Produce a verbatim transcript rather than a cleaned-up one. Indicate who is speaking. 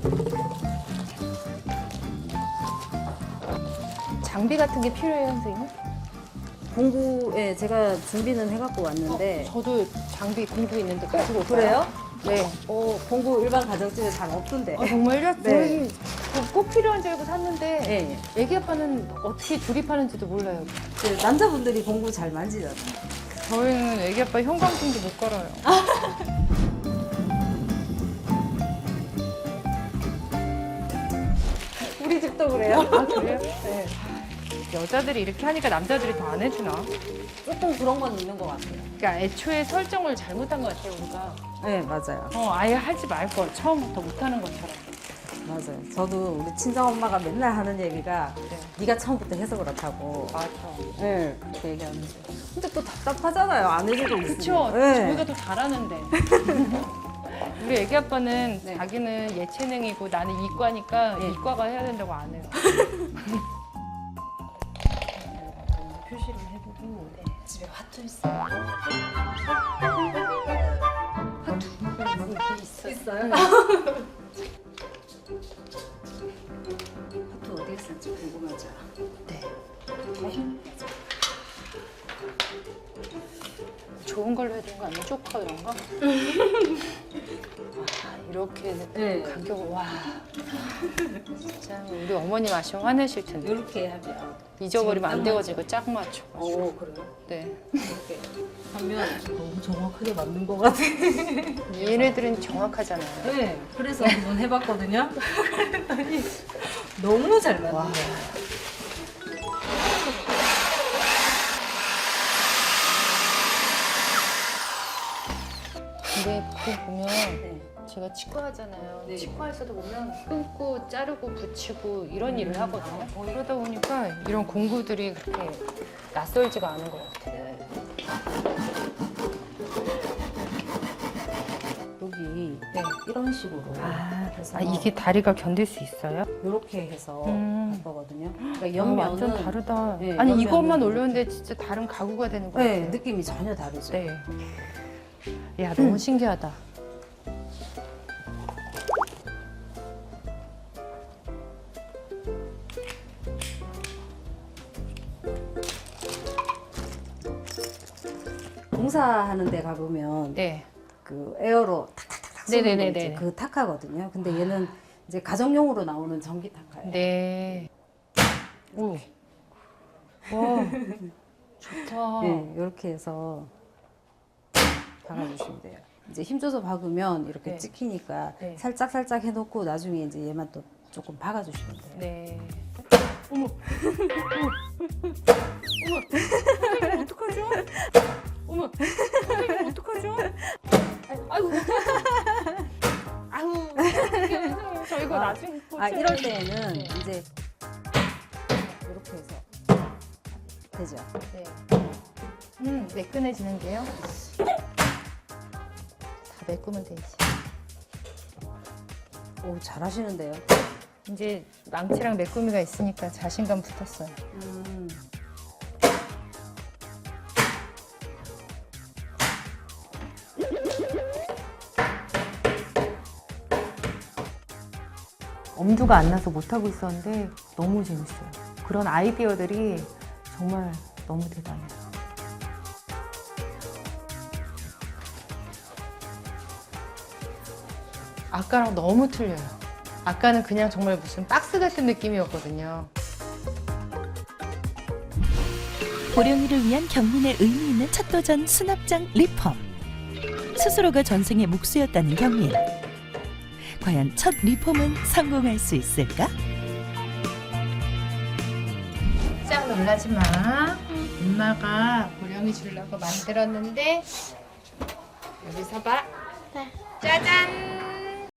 Speaker 1: 장비 같은 게 필요해요, 선생님?
Speaker 2: 공구에 제가 준비는 해갖고 왔는데.
Speaker 1: 저도 장비 공구 있는데 가지고 올까요?
Speaker 2: 그래요?
Speaker 1: 네.
Speaker 2: 어, 공구 일반 가정집에 잘 없던데.
Speaker 1: 아, 정말요?
Speaker 2: 네.
Speaker 1: 저희 꼭 필요한 줄 알고 샀는데
Speaker 2: 네.
Speaker 1: 애기 아빠는 어떻게 조립하는지도 몰라요.
Speaker 2: 그 남자분들이 공구 잘 만지잖아요.
Speaker 1: 저희는 애기 아빠 형광등도 못 걸어요.
Speaker 2: 우리 집도 그래요.
Speaker 1: 아, 그래요? 네. 여자들이 이렇게 하니까 남자들이 더 안 해주나?
Speaker 2: 조금 그런 건 있는 것 같아요.
Speaker 1: 그러니까 애초에 설정을 잘못한 것 같아요, 우리가.
Speaker 2: 네, 맞아요.
Speaker 1: 어, 아예 하지 말걸. 처음부터 못하는 것처럼.
Speaker 2: 맞아요. 저도 우리 친정 엄마가 맨날 하는 얘기가
Speaker 1: 네.
Speaker 2: 네가 처음부터 해서 그렇다고.
Speaker 1: 맞아.
Speaker 2: 네, 그렇게 얘기하는데. 근데 또 답답하잖아요. 안 해주고 있으면.
Speaker 1: 그쵸?
Speaker 2: 네.
Speaker 1: 저희가 더 잘하는데. 우리 애기 아빠는
Speaker 2: 네.
Speaker 1: 자기는 예체능이고 나는 이과니까
Speaker 2: 네.
Speaker 1: 이과가 해야 된다고 안 해요. 표시를 해보고 네. 집에 화투 있어요. 화투 이게 있어요.
Speaker 2: 있어요? 하트 어디에 쓸지 궁금하죠?
Speaker 1: 네. 좋은 걸로 해야 되는 거 아니에요? 쪼커 이런 거? 와, 이렇게
Speaker 2: 네.
Speaker 1: 가격을 와. 진짜 우리 어머님 아시면 화내실 텐데.
Speaker 2: 이렇게 하면.
Speaker 1: 잊어버리면 안
Speaker 2: 지금
Speaker 1: 돼가지고 짝 맞춰.
Speaker 2: 오, 그래요?
Speaker 1: 네.
Speaker 2: 이렇게 하면 너무 정확하게 맞는 것 같아.
Speaker 1: 얘네들은 정확하잖아요.
Speaker 2: 네, 그래서 한번 해봤거든요. 너무 잘 맞는
Speaker 1: 와.
Speaker 2: 거예요.
Speaker 1: 근데 그거 보면
Speaker 2: 네.
Speaker 1: 제가 치과 하잖아요.
Speaker 2: 네.
Speaker 1: 치과에서도 보면 끊고 자르고 붙이고 이런 일을 하거든요. 어, 이러다 보니까 이런 공구들이 그렇게 낯설지가 않은 것 같아요.
Speaker 2: 여기
Speaker 1: 네.
Speaker 2: 이런 식으로
Speaker 1: 아,
Speaker 2: 해서
Speaker 1: 아, 이게 다리가 견딜 수 있어요?
Speaker 2: 이렇게 해서
Speaker 1: 음.
Speaker 2: 할 거거든요. 그러니까
Speaker 1: 아,
Speaker 2: 옆면은
Speaker 1: 완전 다르다.
Speaker 2: 네,
Speaker 1: 아니
Speaker 2: 옆면은
Speaker 1: 이것만
Speaker 2: 이렇게.
Speaker 1: 올렸는데 진짜 다른 가구가 되는 것
Speaker 2: 네,
Speaker 1: 같아요.
Speaker 2: 느낌이 전혀 다르죠.
Speaker 1: 네. 야 너무 신기하다.
Speaker 2: 공사하는 데 가보면
Speaker 1: 네.
Speaker 2: 그 에어로 탁탁탁탁 쏘는 거
Speaker 1: 네네네네.
Speaker 2: 있지. 그 타카거든요. 근데 얘는 이제 가정용으로 나오는 전기 타카예요.
Speaker 1: 네. 오. 와. 좋다.
Speaker 2: 네, 이렇게 해서 박아주시면 돼요. 이제 힘줘서 박으면 이렇게
Speaker 1: 네.
Speaker 2: 찍히니까
Speaker 1: 네.
Speaker 2: 살짝 살짝 해놓고 나중에 이제 얘만 또 조금 박아주시면 돼요.
Speaker 1: 네. 어머. 어머. 어머. 어떡하죠? 어머. 선생님 어떡하죠? 아이고. 아유. 선생님 저 이거
Speaker 2: 아,
Speaker 1: 나중에
Speaker 2: 아
Speaker 1: 고쳐야
Speaker 2: 이럴
Speaker 1: 돼.
Speaker 2: 때는
Speaker 1: 네.
Speaker 2: 이제 이렇게 해서 되죠.
Speaker 1: 네. 음, 매끈해지는 게요. 다 메꾸면 되지.
Speaker 2: 오, 잘하시는데요.
Speaker 1: 이제 망치랑 메꾸미가 있으니까 자신감 붙었어요.
Speaker 2: 음.
Speaker 1: 엄두가 안 나서 못하고 있었는데 너무 재밌어요. 그런 아이디어들이 정말 너무 대단해요. 아까랑 너무 틀려요. 아까는 그냥 정말 무슨 박스 같은 느낌이었거든요.
Speaker 3: 보령이를 위한 경민의 의미 있는 첫 도전 수납장 리폼. 스스로가 전생의 묵수였다는 경민. 과연 첫 리폼은 성공할 수 있을까?
Speaker 1: 짝 놀라지 마. 엄마가 보령이 주려고 만들었는데 여기서 봐. 짜잔.